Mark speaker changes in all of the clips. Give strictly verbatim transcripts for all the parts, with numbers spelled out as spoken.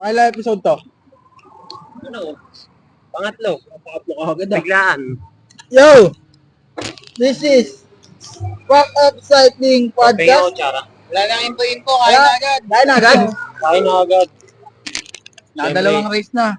Speaker 1: Kailan episode to?
Speaker 2: Ano? Pangatlo.
Speaker 1: Pangatlo ka agad ah.
Speaker 2: Biglaan.
Speaker 1: Yo! This is Fuck Up Cycling
Speaker 2: Pahinga o
Speaker 1: Podcast.
Speaker 2: tsara.
Speaker 3: Wala lang info-info, kaya na agad.
Speaker 1: Kaya na agad.
Speaker 2: Kain na agad.
Speaker 1: Nakadalawang race na.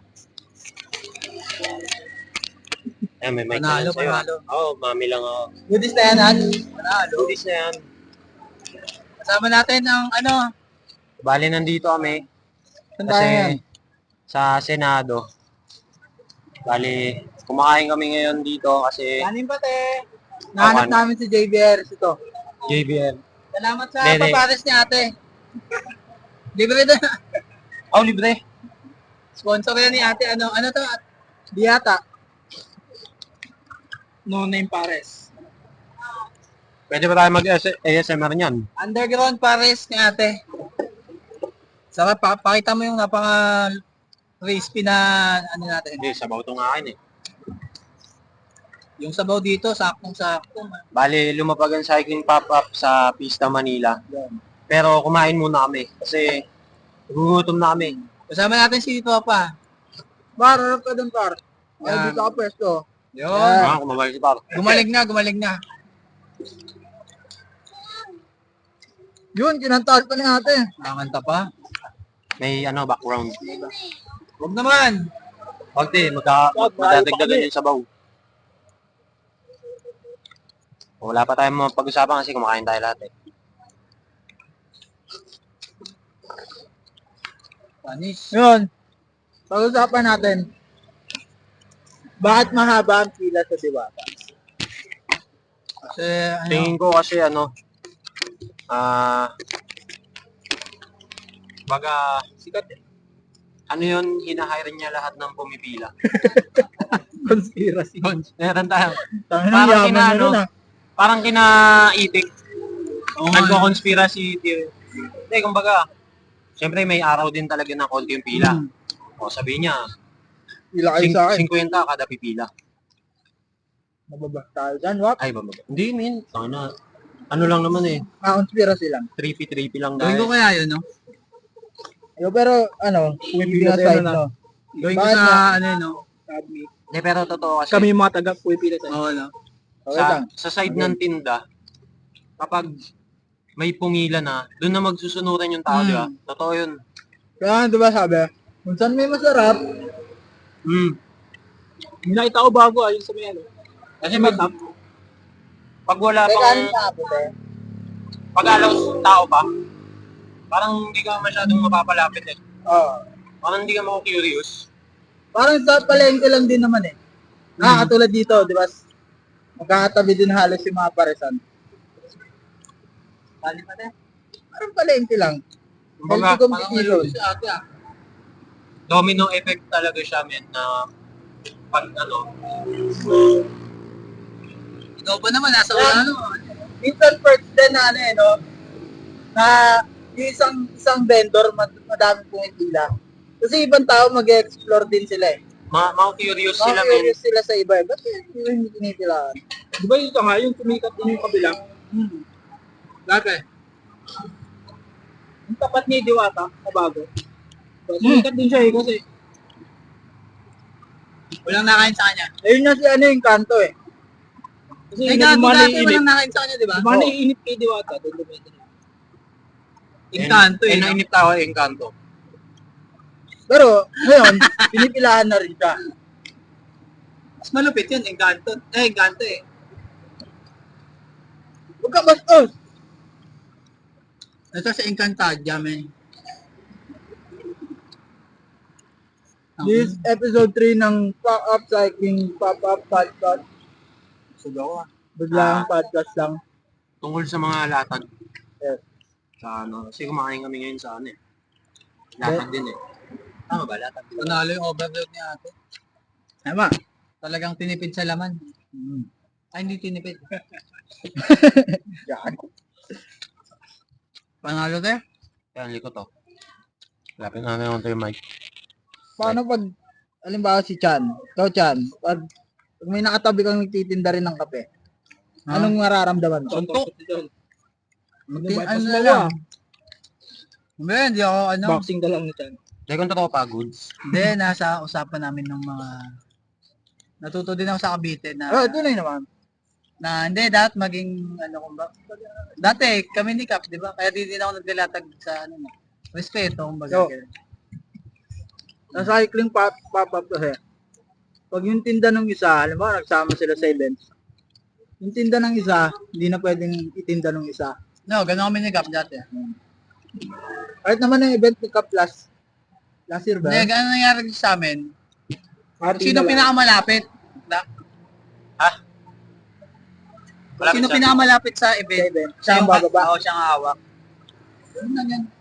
Speaker 2: Eh, may mic
Speaker 3: Panalo,
Speaker 2: na lang sa'yo.
Speaker 3: panalo.
Speaker 2: Oo, oh, mami lang ako.
Speaker 1: Goodies na yan, Han.
Speaker 3: Panalo.
Speaker 2: Goodies na yan.
Speaker 3: Kasama natin ang ano,
Speaker 2: Bali, nandito kami.
Speaker 1: Saan tayo yan?
Speaker 2: Kasi sa Senado. Bali, kumakain kami ngayon dito kasi
Speaker 1: Kanin pa, te. Nahanap
Speaker 2: Awan.
Speaker 1: namin si J B R ito.
Speaker 2: J B L.
Speaker 3: salamat sa
Speaker 2: Dede.
Speaker 3: papares ni ate. Libre na.
Speaker 2: Oh, libre.
Speaker 3: Sponsor yan ni ate. Ano, ano to?
Speaker 1: Di yata.
Speaker 3: No name pares.
Speaker 2: Pwede ba tayo mag-A S M R niyan?
Speaker 3: Underground pares ni ate. Saka pa pakita mo yung napaka crispy na ano natin.
Speaker 2: Hindi, sabaw itong akin eh.
Speaker 3: Yung sabaw dito, saktong-sakto.
Speaker 2: Bali, lumapag ang cycling pop-up sa Pista, Manila. Pero kumain muna kami kasi gugutom na kami.
Speaker 3: Kasama natin si Papa.
Speaker 1: Par, harap ka dun, par. Ay,
Speaker 3: Yan.
Speaker 1: dito ka pwesto.
Speaker 3: Yun.
Speaker 2: Ah, kumabalik si Par.
Speaker 3: Gumaling na, gumaling na.
Speaker 1: Yun, kinantahan pa ni ate.
Speaker 3: Nakakanta pa.
Speaker 2: May ano, background.
Speaker 3: Huwag naman.
Speaker 2: Wag di, magka,
Speaker 1: Wag,
Speaker 2: magdadagdagan yung sabaw. Wala pa tayong mga pag-usapan kasi kumakain tayo lahat eh.
Speaker 3: Panis.
Speaker 1: Yun. Pag-usapan natin. Bakit mahaba ang pila sa Diwata?
Speaker 3: Kasi ano,
Speaker 2: Tingin ko kasi ano, ah, baga,
Speaker 1: Sikat eh.
Speaker 2: ano yun, hinahire niya lahat ng pumipila.
Speaker 1: Conspiracy.
Speaker 2: Meron tayo.
Speaker 1: Tangina,
Speaker 2: Parang
Speaker 1: yaman
Speaker 2: kina,
Speaker 1: na
Speaker 2: ano,
Speaker 1: nun ah.
Speaker 2: Parang kina-itik.
Speaker 3: Oo,
Speaker 2: Nagko-conspiracy theory. Hindi, kumbaga, siyempre may araw din talaga na konti yung pila.
Speaker 1: Hmm.
Speaker 2: O sabihin niya,
Speaker 1: Pila kayo sa akin.
Speaker 2: fifty kada pipila.
Speaker 1: Mababa tayo dyan, wap.
Speaker 2: Ay, bababa. Hindi, min. Sana, ano lang naman eh.
Speaker 1: Ah, conspiracy lang.
Speaker 2: Trippy-trippy lang
Speaker 3: gawin ko
Speaker 2: dahil.
Speaker 3: kaya yun, no?
Speaker 1: Yo, pero ano, keeping
Speaker 3: Pumipila
Speaker 1: aside,
Speaker 3: tayo na.
Speaker 1: no?
Speaker 3: Gawin ko
Speaker 1: Bakit
Speaker 3: sa,
Speaker 1: nga?
Speaker 3: ano yun, no?
Speaker 2: Hindi, pero totoo kasi.
Speaker 1: yung mga taga pumipila tayo.
Speaker 3: Oo, no?
Speaker 1: Okay
Speaker 2: sa,
Speaker 1: lang.
Speaker 2: sa side ng tinda, kapag may pumila na, doon na magsusunuran yung tao,
Speaker 3: Mm.
Speaker 2: di ba? Totoo yun.
Speaker 1: Kaya, di ba sabi, kung saan may masarap,
Speaker 2: Mm.
Speaker 1: may nakita ko bago ayun sa may ano.
Speaker 2: Kasi pag, pag wala
Speaker 1: Teka, ano
Speaker 2: pang,
Speaker 1: sa apo, te?
Speaker 2: pag alaw tao pa, parang hindi ka masyadong mapapalapit eh.
Speaker 1: Oo.
Speaker 2: Parang hindi ka mako-curious.
Speaker 1: Parang sa palengke lang din naman eh. Ah, katulad dito, di ba? Magkakatabi din halos yung mga paresan.
Speaker 3: Bali pa din.
Speaker 1: Parang palengke lang.
Speaker 2: Kumbaga,
Speaker 1: Healthy
Speaker 3: Parang
Speaker 1: competition.
Speaker 3: nalulog si ate, ah.
Speaker 2: domino effect talaga siya, men, na pag ano,
Speaker 3: Ikaw ba naman, nasa
Speaker 1: Yeah.
Speaker 3: ano?
Speaker 1: Minsan first din na ano eh, no? Na yung isang isang vendor mad madaming pumipila. Kasi ibang tao mag-explore din sila eh.
Speaker 2: ma mako-curious
Speaker 1: Mga
Speaker 2: sila, men.
Speaker 1: curious sila sa iba eh. Ba't yung hindi pinipilaan?
Speaker 3: Di ba yung nga, yung tumikat din yung kabilang? Hmm. Dati.
Speaker 1: Yung tapat ni Diwata, na bago. So, sumikat din siya eh kasi
Speaker 3: Walang nakain sa kanya.
Speaker 1: ayun na si ano yung kanto eh. Kasi
Speaker 3: Ay,
Speaker 1: yung
Speaker 3: gago
Speaker 1: mga
Speaker 3: dati,
Speaker 1: naiinip.
Speaker 3: walang nakain sa kanya, di ba?
Speaker 1: Mga
Speaker 3: Oo.
Speaker 1: naiinip kay Diwata, doon lumete na.
Speaker 3: Encanto, eh.
Speaker 2: Eh,
Speaker 3: no?
Speaker 2: nainip tao, eh, Encanto.
Speaker 1: Pero ngayon, pinipilahan na rin siya.
Speaker 3: Mas malupit yun, Encanto. Eh, Encanto eh.
Speaker 1: Huwag ka bastos!
Speaker 3: Ito sa Encantadia, men.
Speaker 1: This is episode three ng Pop Up Cycling Pop Up Podcast.
Speaker 3: Sugaw ah.
Speaker 1: Biglang
Speaker 2: Ah.
Speaker 1: podcast lang.
Speaker 2: Tungkol sa mga latag.
Speaker 1: Yes.
Speaker 2: Sa ano, kasi kumakain kami ngayon sa ano eh. Latag din eh. Tama ba, latag din?
Speaker 3: Panalo yung overload ni ate.
Speaker 1: Tama.
Speaker 3: Talagang tinipid sa laman.
Speaker 1: Mm.
Speaker 3: Ay, hindi tinipid.
Speaker 1: Yan.
Speaker 3: Panalo tayo?
Speaker 2: Yan, likot to. Lapin na naman ito yung mic.
Speaker 1: Paano pag, alimbawa si Chan, ikaw Chan, pag, pag may nakatabi kang nagtitinda rin ng kape,
Speaker 3: Ha?
Speaker 1: anong mararamdaman mo?
Speaker 3: Suntok. Magtin,
Speaker 1: Ano
Speaker 3: ano
Speaker 1: ba,
Speaker 3: na lang. Hindi, hindi ako, ano.
Speaker 1: Boxing na lang ni Chan.
Speaker 2: Teka, kung tropa, goods.
Speaker 3: Hindi, nasa usapan namin ng mga... Natuto din ako sa Cavite na...
Speaker 1: Oh, tunay naman.
Speaker 3: na hindi, dapat maging, ano kung ba... Dati, kami ni Cap, di ba? Kaya di din ako naglalatag sa, ano, respeto, kumbaga.
Speaker 1: So, sa cycling pop, pop-up kasi, pag yung tinda ng isa, alam mo, nagsama sila sa events, yung tinda ng isa, hindi na pwedeng itinda ng isa.
Speaker 3: No, ganun kami ni Cap dati.
Speaker 1: Kahit naman yung event ni Cup last, last year ba?
Speaker 3: Hindi, ganun nangyari sa amin.
Speaker 1: Party
Speaker 3: Sino
Speaker 1: na lang.
Speaker 3: pinakamalapit? Na,
Speaker 2: Malapit
Speaker 3: sino
Speaker 2: sa-
Speaker 3: pinakamalapit sa event?
Speaker 1: Sa event. Siya ang bababa.
Speaker 3: Oo, siya ang hawak. Ganun lang yan.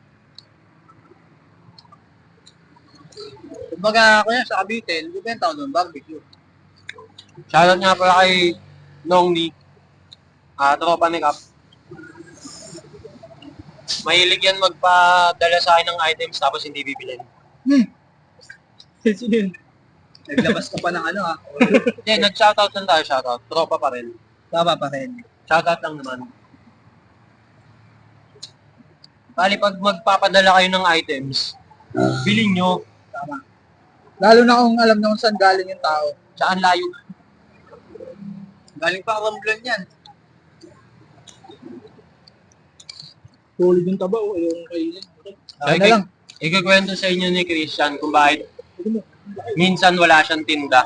Speaker 3: Kumbaga, kaya sa Cavite, nagbibenta ako doon, barbecue.
Speaker 2: Shoutout nga pala kay Nong Ni. Ah, tropa ni Cap. Mahilig yan magpadala sa akin ng items tapos hindi bibilin.
Speaker 1: Hmm. Sino yun?
Speaker 3: Naglabas ka pa ng ano ah.
Speaker 2: Hindi, nag-shoutout lang tayo, shoutout. Tropa pa rin.
Speaker 3: Tama pa rin.
Speaker 2: Shoutout lang naman. Bali, pag magpapadala kayo ng items, bilhin nyo.
Speaker 3: Tama.
Speaker 1: Lalo na kung alam na kung saan galing yung tao.
Speaker 2: Saan layo.
Speaker 3: Galing pa Romblon yan.
Speaker 1: Tulid yung taba o yung kainin.
Speaker 2: Ay,
Speaker 1: Ano na lang.
Speaker 2: Ikakwento sa inyo ni Christian kung bakit minsan wala siyang tinda.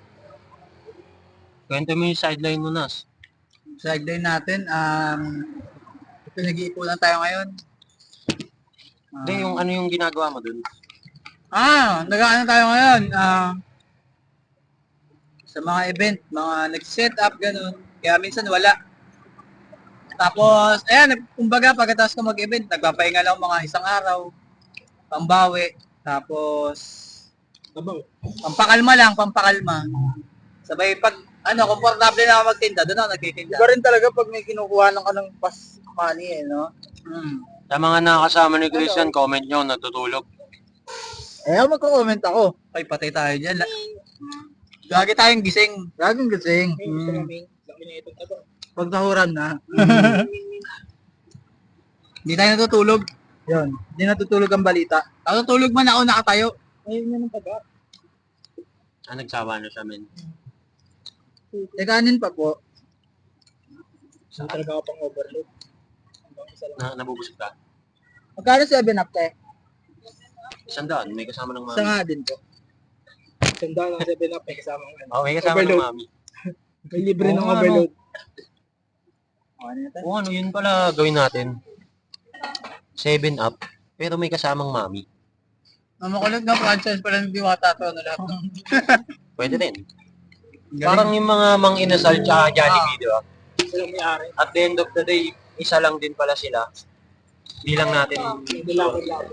Speaker 2: Kwento mo yung sideline mo, Nas.
Speaker 3: Sideline natin, um, pinag-iipunan tayo ngayon.
Speaker 2: Hindi, yung ano yung ginagawa mo dun.
Speaker 3: Ah, nag-ano tayo ngayon? Ah, sa mga event, mga nag-set up, ganun. Kaya minsan wala. Tapos, ayan, kumbaga, pagkatapos ko mag-event, nagpapahinga lang mga isang araw, pambawi, tapos, pampakalma lang, pampakalma. Sabay, pag, ano, komportable na ako magtinda, doon ako nagtitinda.
Speaker 1: Iba rin talaga pag may kinukuha ng ka ng pass money eh, no?
Speaker 3: Hmm.
Speaker 2: Sa mga nakakasama ni Christian, comment nyo, natutulog.
Speaker 1: Eh, ako magko-comment ako.
Speaker 3: Ay, patay tayo dyan. La- Lagi tayong gising.
Speaker 1: Laging gising.
Speaker 3: Hmm.
Speaker 1: Pag nahuran na,
Speaker 3: Hindi tayo natutulog.
Speaker 1: yun. Hindi natutulog ang balita.
Speaker 3: Natutulog man ako nakatayo.
Speaker 1: Ayun yun ang taga.
Speaker 2: Ah, nagsawa na siya, men.
Speaker 1: Eh, kanin pa po.
Speaker 2: Saan?
Speaker 1: Talaga ako pang overload.
Speaker 2: Na, nabubusog ka.
Speaker 1: Magkano seven up, te?
Speaker 2: Isang daan, may kasama ng
Speaker 1: Isa
Speaker 2: mami.
Speaker 1: nga din po. Isang daan ng seven up, may kasama ng ano.
Speaker 2: Oh, may kasama ng
Speaker 1: Overload.
Speaker 2: mami.
Speaker 1: May libre
Speaker 2: Oo
Speaker 1: ng
Speaker 2: nga,
Speaker 1: overload.
Speaker 2: Oo, ano, yun pala gawin natin. Seven up, pero may kasamang mami.
Speaker 3: Ang makulit na franchise pala ng Diwata to. Ano lahat.
Speaker 2: Pwede rin.
Speaker 3: Galing.
Speaker 2: Parang yung mga mang inasal tsaka Jollibee, di ba?
Speaker 1: Silang may-ari.
Speaker 2: At the end of the day, isa lang din pala sila. Hindi lang natin.
Speaker 1: Hindi lang ako.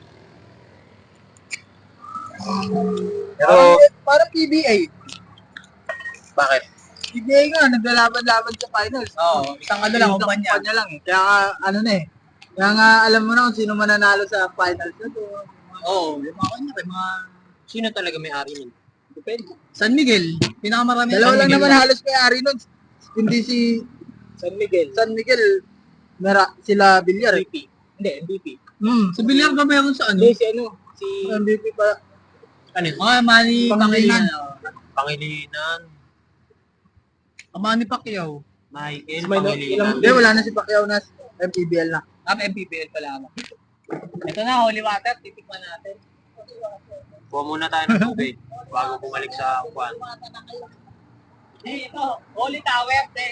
Speaker 2: Pero,
Speaker 1: Parang, parang P B A.
Speaker 2: bakit?
Speaker 1: P B A nga, naglalaban-laban sa finals.
Speaker 3: Oo, isang ano lang,
Speaker 1: Isang
Speaker 3: kumpanya.
Speaker 1: kumpanya lang eh. Kaya nga, ano na eh. Kaya nga, alam mo na kung sino mananalo sa finals na to.
Speaker 3: Oo, yung mga kanya, yung mga
Speaker 2: Sino talaga may-ari nun?
Speaker 1: Depende.
Speaker 3: San Miguel. Pinakamarami
Speaker 1: Dalawa
Speaker 3: San
Speaker 1: lang
Speaker 3: Miguel.
Speaker 1: naman halos may-ari nun. Hindi si San Miguel. San Miguel, mera, sila Villar. M V P. Hindi, M V P.
Speaker 3: Hmm, sa bilyar ba meron sa ano?
Speaker 1: Hindi, si ano, si M V P pa.
Speaker 2: Ano yun?
Speaker 3: Mga Manny
Speaker 1: Pangilinan.
Speaker 3: Pangilinan.
Speaker 2: Pangilinan.
Speaker 3: Ang Manny Pacquiao.
Speaker 2: Michael
Speaker 1: May no-
Speaker 2: Pangilinan.
Speaker 1: ilang- Hindi, wala na si Pacquiao na M P B L na.
Speaker 3: Ah, M P B L pala ako. Ito na, holy water. Titikman natin.
Speaker 2: Kuha muna tayo ng tubig bago bumalik sa upuan.
Speaker 3: Eh, ito. Holy tower. Then.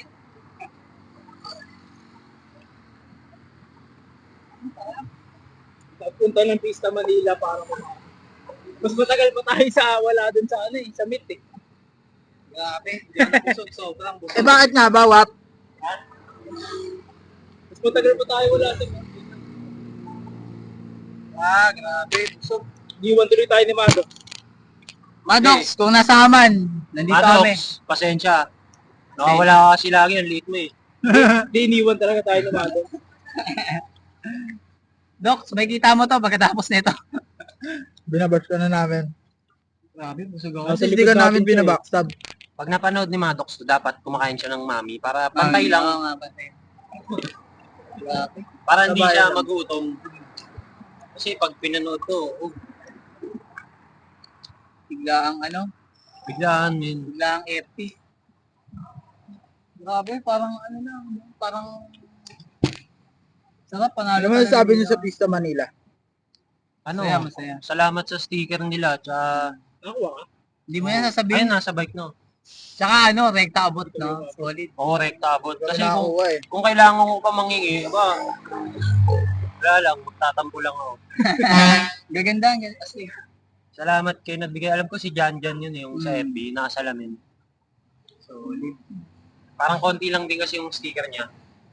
Speaker 1: Punta ng Pista Manila para kumain. Mas matagal pa tayo sa wala dun sa ano eh, sa meet eh.
Speaker 3: Grabe. Hindi ako busog. Sobrang busog.
Speaker 1: Eh bakit nga ba, Wap? Mas matagal pa tayo wala sa meet.
Speaker 3: Ah, grabe. Busog.
Speaker 1: Iwan tuloy tayo ni Mado.
Speaker 3: Maddox, kung nasa aman, nandito kami.
Speaker 2: Maddox, pasensya. Nakawala ka kasi lagi, ang liit mo eh.
Speaker 1: Hindi, iniwan talaga tayo ni Mado.
Speaker 3: Doc, may kita mo to pagkatapos nito.
Speaker 1: Binabash ka na namin.
Speaker 3: Grabe, busog ako.
Speaker 1: Kasi hindi ka namin binabackstab.
Speaker 2: Pag napanood ni Maddox, dapat kumakain siya ng mami para pantay lang.
Speaker 3: Oo nga, pantay. Grabe.
Speaker 2: Para hindi
Speaker 1: Sabay
Speaker 2: siya
Speaker 1: lang.
Speaker 2: magutom. Kasi pag pinanood ko, oh,
Speaker 3: Bigla ang ano,
Speaker 2: Biglaan yun.
Speaker 3: bigla ang F P. Grabe, parang ano na, parang sarap panalo.
Speaker 1: Ano mo
Speaker 3: talaga
Speaker 1: sabi niyo
Speaker 3: nila.
Speaker 1: sa Pista Manila?
Speaker 2: Ano,
Speaker 3: Masaya, masaya.
Speaker 2: salamat sa sticker nila. Tsaka,
Speaker 3: Hindi mo yan
Speaker 2: ayun,
Speaker 3: sasabihin.
Speaker 2: nasa bike, no?
Speaker 3: Tsaka ano, rekta abot, no? Solid.
Speaker 2: Oo, rekta abot. Kasi
Speaker 1: Kasi
Speaker 2: kung,
Speaker 1: nakakuha eh.
Speaker 2: kung kailangan ko pa mangingi, ba, wala lang, magtatampo lang ako.
Speaker 3: Gaganda, ang ganda kasi.
Speaker 2: Salamat kayo nagbigay. Alam ko si Jan Jan yun, yung sa
Speaker 3: Mm.
Speaker 2: F B, nakasalamin.
Speaker 3: Solid.
Speaker 2: Parang konti lang din kasi yung sticker niya.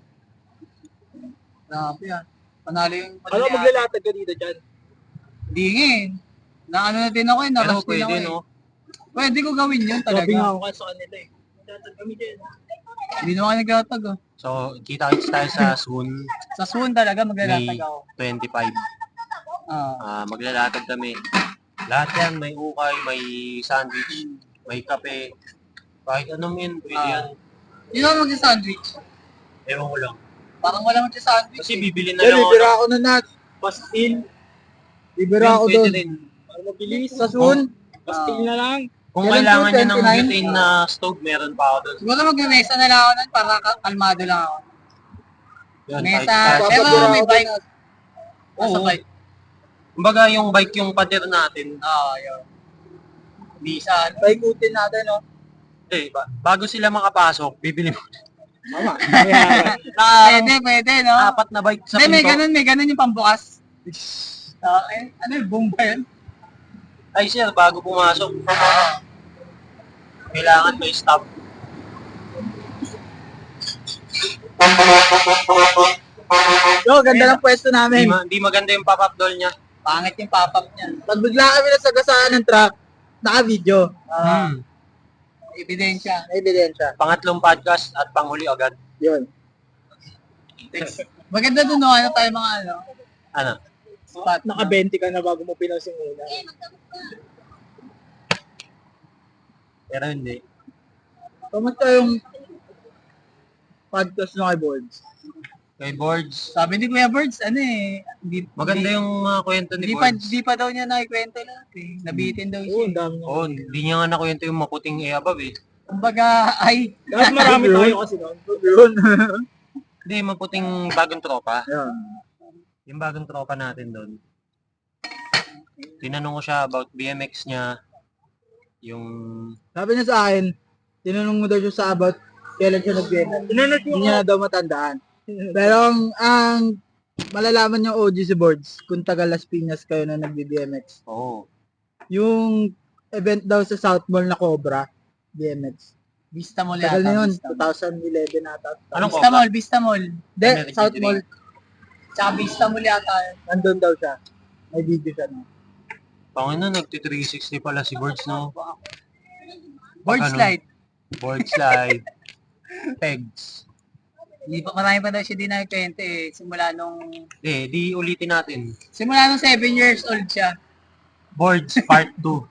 Speaker 3: Grabe yan. Panalo yung...
Speaker 1: Ano maglalatag ka dito dyan?
Speaker 3: Hindi nga eh. Na ano na din ako eh,
Speaker 2: Pero
Speaker 3: narush din
Speaker 2: pwede,
Speaker 3: ako eh.
Speaker 2: no?
Speaker 3: Pwede ko gawin yun talaga.
Speaker 1: Sabi nga ako sa kanila eh. Maglatag kami dyan.
Speaker 3: Hindi naman ako naglatag oh.
Speaker 2: So, kita-kits tayo sa soon,
Speaker 3: Sa Swoon talaga
Speaker 2: May
Speaker 3: maglalatag ako.
Speaker 2: twenty-five.
Speaker 3: Ah.
Speaker 2: Ah, maglalatag kami. Lahat yan, may ukay, may sandwich, may kape. Kahit anong yun, pwede
Speaker 3: Ah.
Speaker 2: yan.
Speaker 3: Yun ako mag-sandwich.
Speaker 2: Ewan ko lang.
Speaker 3: Parang wala mag-sandwich.
Speaker 2: Kasi bibili na
Speaker 1: Yan,
Speaker 2: lang ako.
Speaker 1: bibira ako na nat. Pastil. Bibira ako
Speaker 2: Pwede
Speaker 1: doon.
Speaker 2: rin.
Speaker 1: Para mabilis. Sa Sun.
Speaker 3: Pastil
Speaker 1: na lang.
Speaker 2: Kung
Speaker 1: Kailan
Speaker 2: kailangan
Speaker 1: po,
Speaker 2: niya ng
Speaker 1: twenty-nine?
Speaker 2: butane na stove, meron pa ako doon.
Speaker 3: Siguro mag-mesa na lang ako nun para ka- kalmado lang ako.
Speaker 2: Yun,
Speaker 3: Mesa.
Speaker 2: kahit- kahit-
Speaker 3: Pero
Speaker 1: Papabira
Speaker 3: may
Speaker 1: ako
Speaker 3: bike.
Speaker 1: doon,
Speaker 3: Nasa
Speaker 2: Oo.
Speaker 3: bike.
Speaker 2: Kumbaga yung bike yung pader natin.
Speaker 3: Ah, yun. Bisa. ano?
Speaker 1: Paikutin natin, no?
Speaker 2: Eh, ba- bago sila makapasok, bibili mo
Speaker 1: Mama.
Speaker 3: Pwede, pwede, no?
Speaker 2: apat na bike sa
Speaker 3: Hindi, may
Speaker 2: pinto.
Speaker 3: ganun, may ganun yung pambukas. Ah, eh, ano yung boom ba yun?
Speaker 2: Ay sir, bago pumasok, kailangan may stop.
Speaker 1: Yo, ganda ng pwesto
Speaker 2: Hindi,
Speaker 1: namin.
Speaker 2: ma- hindi maganda yung pop-up doll niya.
Speaker 3: Pangit yung pop-up niya.
Speaker 1: Pag bigla kami nasagasaan ng truck, naka-video.
Speaker 3: Ah,
Speaker 2: Hmm.
Speaker 3: ebidensya.
Speaker 1: May ebidensya.
Speaker 2: Pangatlong podcast at panghuli agad.
Speaker 1: Yun.
Speaker 3: Maganda dun, no? Ano tayo mga ano?
Speaker 2: Ano?
Speaker 3: Spot.
Speaker 1: Naka twenty ka na bago mo pinost yung una.
Speaker 2: Pero hindi.
Speaker 1: Kamusta yung podcast nyo kay Boards?
Speaker 2: Kay Boards,
Speaker 3: Sabi ni Kuya Birds, ano eh. Di,
Speaker 2: maganda
Speaker 3: di-
Speaker 2: yung mga kwento ni
Speaker 3: Di pa,
Speaker 2: Boards.
Speaker 3: di pa daw niya nakikwento lahat eh. Nabitin daw
Speaker 1: Oo,
Speaker 3: siya.
Speaker 1: ang dami nyo.
Speaker 2: Oo, hindi niya nga nakwento yung maputing e above eh.
Speaker 3: Kumbaga, ay,
Speaker 1: Tapos marami tayo kasi noon. Yun.
Speaker 2: Hindi, maputing bagong tropa.
Speaker 1: Yan.
Speaker 2: Yung bagong tropa natin doon. Tinanong ko siya about B M X niya. Yung...
Speaker 1: Sabi niya sa akin, tinanong mo daw siya sa about kailan siya nag-B M X. Hindi niya na daw matandaan. Pero ang, ang malalaman niyo O G si Boards kung taga Las Piñas kayo na nag-B M X.
Speaker 2: Oo.
Speaker 1: Yung event daw sa South Mall na Cobra, B M X.
Speaker 3: Vista Mall yata.
Speaker 1: Tagal na yun,
Speaker 3: Vista Mall.
Speaker 1: twenty eleven ata.
Speaker 2: Anong
Speaker 3: Vista
Speaker 2: Cobra?
Speaker 3: Mall, Vista Mall.
Speaker 1: Hindi,
Speaker 2: American
Speaker 1: South
Speaker 2: Dream.
Speaker 1: Mall,
Speaker 3: Tsaka Vista Mall yata. yun.
Speaker 1: nandun daw siya. May video siya. No?
Speaker 2: Panginoon, nagti three sixty pala si Boards, no?
Speaker 3: Board
Speaker 2: Pag ano,
Speaker 3: slide.
Speaker 2: Board slide. Pegs.
Speaker 3: Hindi pa, marami pa daw siya di nakikwento eh. Simula nung,
Speaker 2: Eh, di ulitin natin.
Speaker 3: simula nung seven years old siya.
Speaker 2: Boards Part two.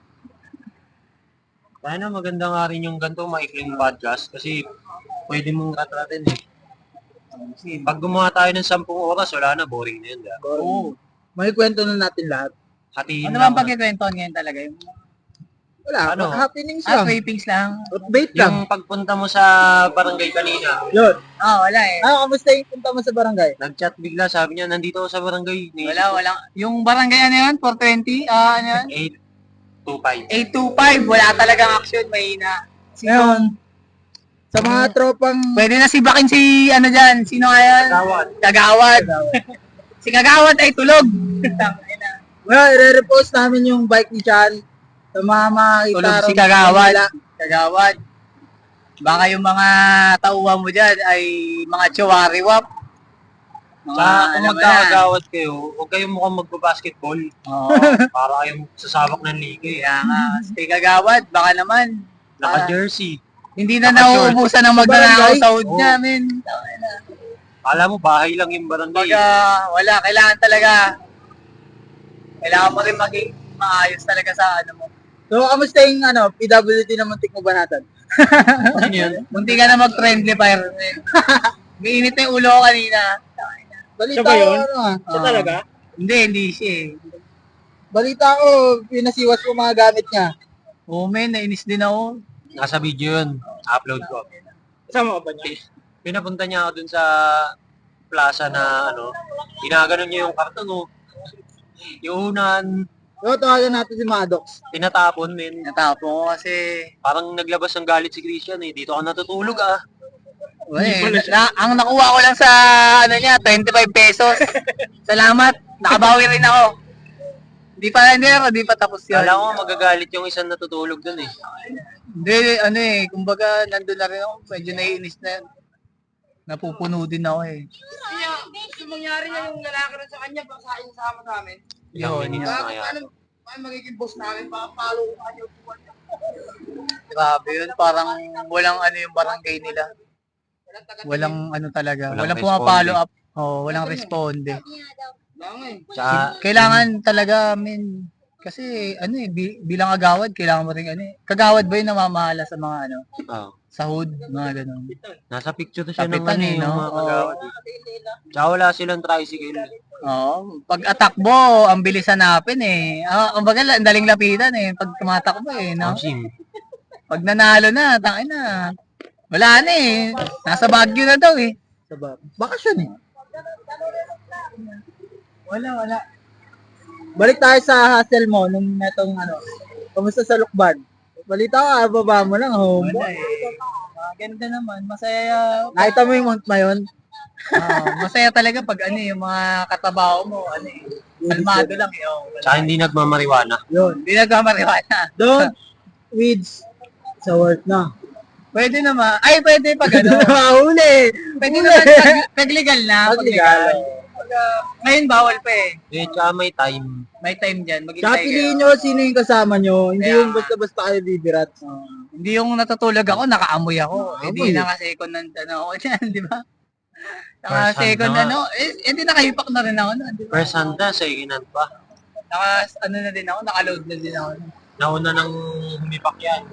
Speaker 2: Sana maganda nga rin yung ganito maikling podcast kasi pwede mong ratratin eh. Pag gumawa tayo ng sampung oras, wala na, boring na yun. Diba?
Speaker 3: Oo.
Speaker 1: May kwento na natin lahat.
Speaker 2: Hatiin
Speaker 3: Ano
Speaker 2: lang.
Speaker 3: bang pagkikwentuhan ngayon talaga? Yung
Speaker 1: Wala,
Speaker 2: Ano?
Speaker 1: happenings
Speaker 3: ah,
Speaker 1: lang.
Speaker 3: tapings lang.
Speaker 1: Update lang.
Speaker 2: Yung pagpunta mo sa barangay kanina,
Speaker 1: Yun.
Speaker 3: Ah, wala eh.
Speaker 1: Ah, kamusta yung punta mo sa barangay?
Speaker 2: nag-chat bigla, sabi niya, nandito ako sa barangay.
Speaker 3: Wala, wala. Yung barangay ano yun? four twenty? Ah, ano yun?
Speaker 2: eight two five.
Speaker 3: eight two five. Wala talagang action. Mahina. Sino?
Speaker 1: Ngayon, sa mga tropang...
Speaker 3: Pwede na si Bakin si ano dyan. Sino nga yan?
Speaker 2: Tawad.
Speaker 3: Kagawad. Si Kagawad ay tulog.
Speaker 1: Well, i-repost namin yung bike ni Chan sa mga makakita
Speaker 3: Tulog si
Speaker 1: ron-
Speaker 3: Kagawad. Kagawad. Baka yung mga tauhan mo dyan ay mga chawariwap. Mga
Speaker 2: Sa kung
Speaker 3: ano mo na.
Speaker 2: magkakagawad kayo, huwag kayong mukhang magbabasketball.
Speaker 3: Oo.
Speaker 2: Para kayong sasabak ng liga eh.
Speaker 3: Kaya nga, si Kagawad, baka naman. Ah,
Speaker 2: Naka-jersey.
Speaker 3: hindi na
Speaker 2: Naka-short.
Speaker 3: nauubusan ng magnanakaw
Speaker 1: Barangay?
Speaker 3: sa hood
Speaker 2: Oo.
Speaker 3: niya, men.
Speaker 2: Alam mo, bahay lang yung barangay.
Speaker 3: Baga, wala, kailangan talaga. Kailangan mo rin maging maayos talaga sa ano mo.
Speaker 1: So, kamusta yung ano, P W D na muntik mo ba natin?
Speaker 2: Ano yun?
Speaker 3: Munti ka na mag-friendly fire, men. May init na yung ulo ko kanina.
Speaker 1: Balita
Speaker 4: Siya ba yun?
Speaker 1: ko, ano ah.
Speaker 4: Siya
Speaker 3: Oo.
Speaker 4: talaga?
Speaker 3: Hindi, hindi siya eh.
Speaker 1: Balita ko, pinasiwas mo mga gamit niya.
Speaker 3: Oo, men, nainis din ako.
Speaker 2: Nasa video yun. Upload ko.
Speaker 1: Kasama ka ba niya?
Speaker 2: Pinapunta niya ako dun sa plaza na ano, ginaganon niya yung karton, oh. Yung unan,
Speaker 1: So, tawagan natin si Maddox.
Speaker 2: tinatapon, men.
Speaker 3: Natapon ko kasi,
Speaker 2: Parang naglabas ng galit si Christian, eh. Dito ka natutulog, ah.
Speaker 3: Uy, na, na- ang nakuha ko lang sa, ano niya, twenty-five pesos. Salamat, nakabawi rin ako. Hindi pa, hindi, hindi pa tapos yun.
Speaker 2: Kala ko magagalit yung isang natutulog dun, eh.
Speaker 3: Hindi, ano eh, kumbaga, nandun na rin ako, medyo naiinis na yun. Napupuno din ako eh.
Speaker 4: Yung mangyari niya yung lalaki rin sa kanya, baka sa sama sa amin.
Speaker 2: Ilang
Speaker 3: Yun,
Speaker 2: minutes
Speaker 3: yun.
Speaker 2: na kaya.
Speaker 4: Ano, ano magiging boss namin, baka follow ko kanya yung buwan niya.
Speaker 3: Grabe yun, parang walang ano yung barangay nila.
Speaker 4: Walang taga-
Speaker 3: Walang ano talaga,
Speaker 2: Walang
Speaker 3: walang,
Speaker 2: responde.
Speaker 3: pumapalo up. Oh, walang responde.
Speaker 4: Lang eh.
Speaker 2: Tsaka,
Speaker 3: Kailangan talaga, min, kasi ano eh, bi- bilang agawad, kailangan mo rin ano eh. Kagawad ba yung namamahala sa mga ano,
Speaker 2: oh,
Speaker 3: sahod, mga ganun.
Speaker 2: nasa picture to siya ng
Speaker 3: Kapitan
Speaker 2: ano,
Speaker 3: eh,
Speaker 2: yung
Speaker 3: no?
Speaker 2: mga kagawad, eh. Tsaka wala silang tricycle.
Speaker 3: Oo, pag atakbo, ang bilis hanapin eh. Ah, ang bagal, ang daling lapitan eh, pag tumatakbo eh, no?
Speaker 2: Amsim.
Speaker 3: Pag nanalo na, tangin na. Wala na eh. Nasa Baguio na daw eh.
Speaker 1: Sa ba? Bakasyon eh.
Speaker 3: Wala, wala.
Speaker 1: Balik tayo sa hustle mo nung netong ano. Kamusta sa Lukban? Balita ko, baba mo lang, home.
Speaker 3: Wala eh. Maganda naman. Masaya.
Speaker 1: Nakita mo yung Mount Mayon?
Speaker 3: Ah, masaya talaga pag ano eh, yung mga katabaho mo, ano eh. Kalmado lang eh. Oh, wala.
Speaker 2: Tsaka hindi nagmamariwana.
Speaker 1: Yun.
Speaker 3: Hindi nagmamariwana.
Speaker 1: Don't weeds sa work na.
Speaker 3: Pwede naman. Ay, pwede pag ano.
Speaker 1: Mahuli!
Speaker 3: Pwede naman pag, pag legal na. Pag
Speaker 1: Pag legal.
Speaker 3: legal. Pag, ah, ngayon bawal pa eh.
Speaker 2: Eh, tsaka may time.
Speaker 3: May time dyan.
Speaker 1: Tsaka
Speaker 3: Maghintay
Speaker 1: piliin
Speaker 3: kayo.
Speaker 1: nyo sino yung kasama nyo. Hindi
Speaker 3: Kaya
Speaker 1: yung
Speaker 3: nga.
Speaker 1: basta-basta kayo bibirat.
Speaker 3: Hindi yung natutulog ako, nakaamoy ako. Hindi
Speaker 1: Amoy.
Speaker 3: naka-second hand ano ako dyan, di ba?
Speaker 2: First hand
Speaker 3: Naka-second
Speaker 2: na nga.
Speaker 3: ano, eh, hindi nakahipak na rin ako. No? Di ba?
Speaker 2: First hand na, second hand pa.
Speaker 3: Naka, ano na din ako, naka-load na din ako.
Speaker 2: Nauna nang humipak yan.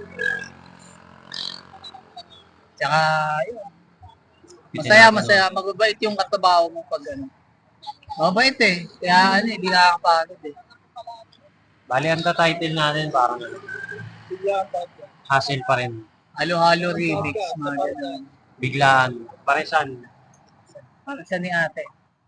Speaker 3: Tsaka, yun. Masaya, masaya. Magbabait yung katabaho mo pag ano. Mabait eh. Kaya ano, hindi nakakapagod eh.
Speaker 2: Bali, ang title natin parang ano, hustle pa rin.
Speaker 3: Halo-halo remix, mga ganun.
Speaker 2: Biglaan. Paresan.
Speaker 3: Parang siya ni ate.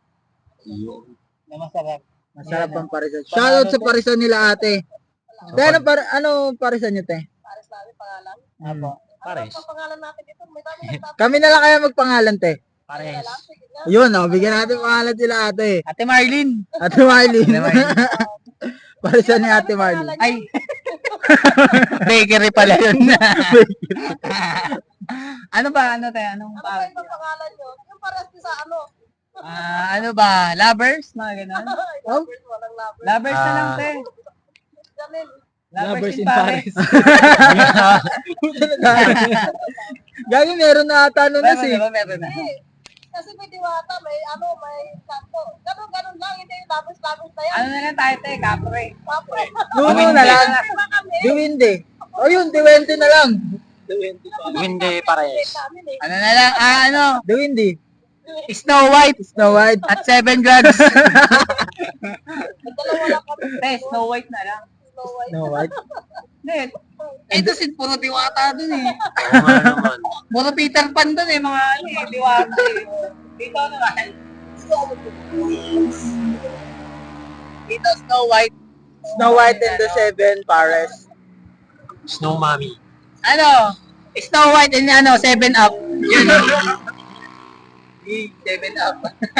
Speaker 3: Na masarap.
Speaker 1: Masarap
Speaker 3: Yan,
Speaker 1: ang parisan. Shoutout sa parisan nila ate. Te, ano, par ano parisan nyo, te?
Speaker 4: Pares namin pangalan.
Speaker 3: Apo.
Speaker 2: Pares.
Speaker 4: Ang pangalan natin dito, may dami nagtatanong.
Speaker 1: Kami na lang kaya magpangalan, te.
Speaker 2: Pares.
Speaker 4: Sige na.
Speaker 1: Yun, oh, bigyan natin pangalan sila ate.
Speaker 3: Ate Marlene.
Speaker 1: Ate Marlene.
Speaker 3: Ate Marlene.
Speaker 1: Parisan ni ate Marlene.
Speaker 3: Ay. Bakery pala yun. Ano ba? Ano tayo? Anong
Speaker 4: Ano ba
Speaker 3: pangalan?
Speaker 4: yung pangalan nyo? Yung pares din sa ano?
Speaker 3: Ah, ano ba? Lovers? Mga ganun?
Speaker 1: Oh?
Speaker 4: Lovers, walang lovers.
Speaker 3: Lovers na lang,
Speaker 2: Ah.
Speaker 3: te.
Speaker 4: Janel.
Speaker 3: Lovers, in Paris.
Speaker 1: Gagi, meron na ata nun na
Speaker 3: Meron
Speaker 1: si.
Speaker 3: na ba? Meron na.
Speaker 4: Eh, kasi may diwata, may ano, may kanto. Ganun, ganun lang, hindi yung lovers, lovers na yan.
Speaker 3: Ano na lang tayo, te? Kapre.
Speaker 4: Papre.
Speaker 1: Nuno na lang.
Speaker 4: Iba kami.
Speaker 1: Diwinde. O yun, Diwente na lang.
Speaker 2: Hindi pares.
Speaker 4: Namin eh.
Speaker 3: Ano na lang? Ah, ano?
Speaker 1: Diwinde.
Speaker 3: Snow White
Speaker 1: Snow White.
Speaker 3: at Seven Drugs.
Speaker 4: Nagdalawa lang kami.
Speaker 3: Te, Snow White na lang.
Speaker 4: Snow White.
Speaker 1: Snow White.
Speaker 3: Hindi. Ito si puro diwata dun eh.
Speaker 2: Oo nga naman.
Speaker 3: Puro Peter Pan dun eh, mga ano eh, diwata eh. Dito naman. Dito Snow White.
Speaker 1: Snow White and the Seven Pares.
Speaker 2: Snow Mommy.
Speaker 3: Ano? Snow White and ano, Seven Up. Yun. Eh, Seven Up.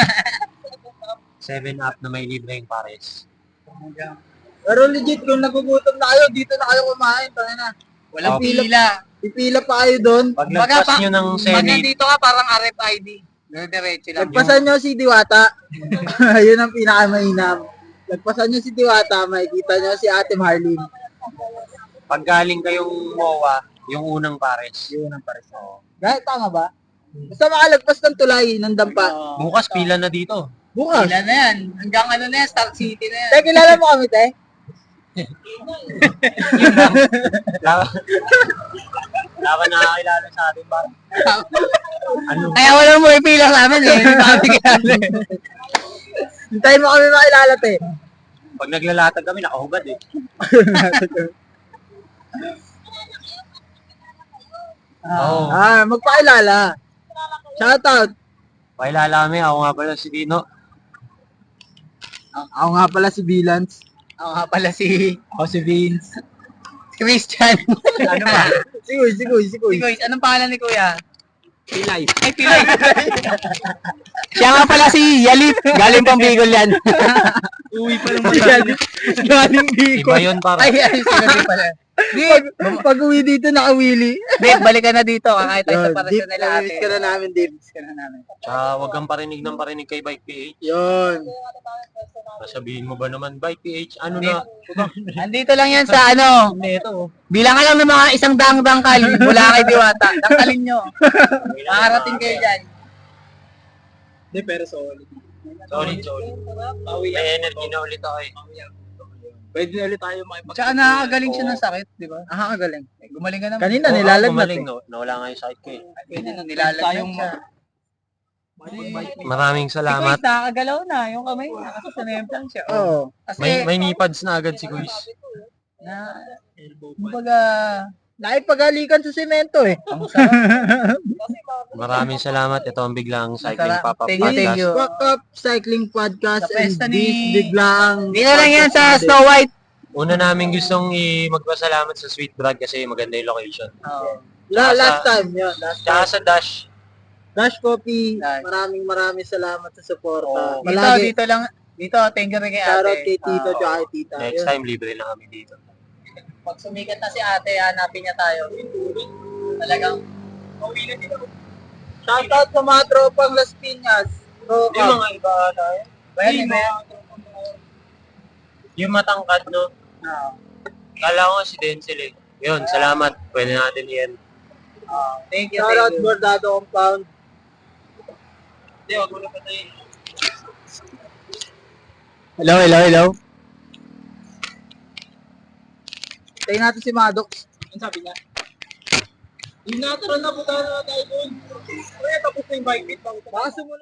Speaker 2: Seven up na may libreng pares.
Speaker 1: Pero legit, kung nagugutom na kayo, dito na kayo kumain. Tangin na.
Speaker 3: Walang
Speaker 2: Oh.
Speaker 3: pila.
Speaker 1: Pipila pa kayo doon.
Speaker 2: Pag
Speaker 3: Baga
Speaker 2: lagpas
Speaker 3: pa-
Speaker 2: nyo ng
Speaker 3: Pag
Speaker 2: Senate,
Speaker 3: nandito ka, parang R F I D. Diretso lang.
Speaker 1: Lagpasan nyo si Diwata. Yun ang pinakamainam. Lagpasan nyo si Diwata, makikita nyo si Ate Marlene.
Speaker 2: pag galing kayong M O A, yung unang pares.
Speaker 1: Yun ang pares. Dahil tama ba? Basta makalagpas ng tulay, ng dampa.
Speaker 2: Bukas pila na dito.
Speaker 1: Bukas.
Speaker 3: Pila na yan. Hanggang ano na yan, Star City na yan.
Speaker 1: Te, kilala mo kami, te?
Speaker 2: Yun lang. Wala wala ka nakakilala sa atin ba? Ano?
Speaker 3: Kaya wala mo ipila sa amin eh. Hindi pa kami kilala.
Speaker 1: Hintayin mo kami makilala, te.
Speaker 2: Pag naglalatag kami, nakahubad eh. Oo.
Speaker 1: Ah, magpakilala. Shoutout.
Speaker 2: Pakilala kami, ako nga pala si Dino.
Speaker 1: Ako nga pala si Bilans.
Speaker 3: Ako nga pala si
Speaker 1: Ako si Vince.
Speaker 3: Christian.
Speaker 1: Ano ba? Si Kuy, si Kuy, si Kuy.
Speaker 3: Si Kuya, anong pangalan ni Kuya?
Speaker 1: Pilay.
Speaker 3: Ay, Pilay.
Speaker 5: Siya nga pala si Yalip. Galing pang Bicol yan.
Speaker 3: Uwi pa lang
Speaker 1: Galing, galing
Speaker 2: Iba
Speaker 1: Bicol.
Speaker 2: yun para.
Speaker 3: Ay, ay, sinabi pala. Di,
Speaker 1: Pag, pag uwi dito, nakawili.
Speaker 3: di, balikan na dito. Kakain tayo sa parasyon nila ate.
Speaker 1: Namimiss ka na namin, Dip.
Speaker 3: Miss ka na namin.
Speaker 2: Tsaka huwag kang parinig ng parinig kay Bike P H.
Speaker 1: Yun.
Speaker 2: Sabihin mo ba naman, Bike P H, ano na?
Speaker 3: Andito lang yan sa ano. Bilang ka lang ng mga isang daang dangkal mula kay Diwata. Dangkalin nyo. Makarating kayo dyan.
Speaker 1: Hindi, pero solid.
Speaker 2: Solid, solid. May energy na ulit ako eh.
Speaker 1: Pwede na ulit tayo makipag...
Speaker 3: Tsaka nakakagaling siya ng sakit, di ba?
Speaker 1: Nakakagaling.
Speaker 3: Eh, gumaling ka naman.
Speaker 1: Kanina,
Speaker 2: Oo,
Speaker 1: nilalagnat
Speaker 2: gumaling,
Speaker 1: eh.
Speaker 2: no? Nawala nga yung sakit ko eh.
Speaker 3: Kanina, nung nilalagnat siya.
Speaker 2: Maraming
Speaker 3: Si
Speaker 2: salamat.
Speaker 3: Kuis, nakakagalaw na. Yung kamay niya. Kasi sanemplang siya.
Speaker 1: Oo.
Speaker 3: Kasi,
Speaker 2: May may nipads na agad si Kuis.
Speaker 3: na, kumbaga,
Speaker 1: Naipagalikan sa semento eh.
Speaker 3: ang sarap.
Speaker 2: Maraming salamat. Ito ang biglang cycling
Speaker 3: Masarap.
Speaker 2: pop-up
Speaker 3: Thank you, thank
Speaker 2: podcast.
Speaker 3: you.
Speaker 1: Walk Up Cycling Podcast
Speaker 3: Sa
Speaker 1: and
Speaker 3: pesta
Speaker 1: this
Speaker 3: ni-
Speaker 1: biglang...
Speaker 3: Dito lang yan sa Snow White.
Speaker 2: Una namin gustong i- magpasalamat sa Sweet Brad kasi maganda yung location.
Speaker 3: Oh.
Speaker 1: La,
Speaker 2: Sa-
Speaker 1: last time yun. Last
Speaker 2: Tsaka
Speaker 1: time.
Speaker 2: sa Dash,
Speaker 1: Dash Coffee,
Speaker 3: Dash.
Speaker 1: maraming maraming salamat sa suporta.
Speaker 2: Oo.
Speaker 3: Dito,
Speaker 1: Malagi,
Speaker 3: dito lang. Dito, thank you rin kay ate.
Speaker 1: shoutout kay Tito
Speaker 3: Oo.
Speaker 1: tsaka kay Tita.
Speaker 2: next
Speaker 1: Yun.
Speaker 2: time libre na kami dito.
Speaker 3: Pag sumikat na si ate, hanapin niya tayo. Talagang,
Speaker 1: Shoutout sa mga tropang Las Piñas. Pro
Speaker 2: Yung mga iba tayo.
Speaker 3: bayan ni Bayan.
Speaker 2: Yung matangkad, no? Kala ko si Denzel eh. Yun, salamat. Pwede natin yan.
Speaker 3: Thank you,
Speaker 1: Shoutout
Speaker 3: thank you.
Speaker 1: Bordado Compound.
Speaker 2: Hindi, wag mo na patayin.
Speaker 5: Hello, hello, hello.
Speaker 1: Tayo natin si Maddox. Ano sabi niya? Yung natural na punta na tayo doon. Kaya tapos na yung bike fit. Baka sumunod.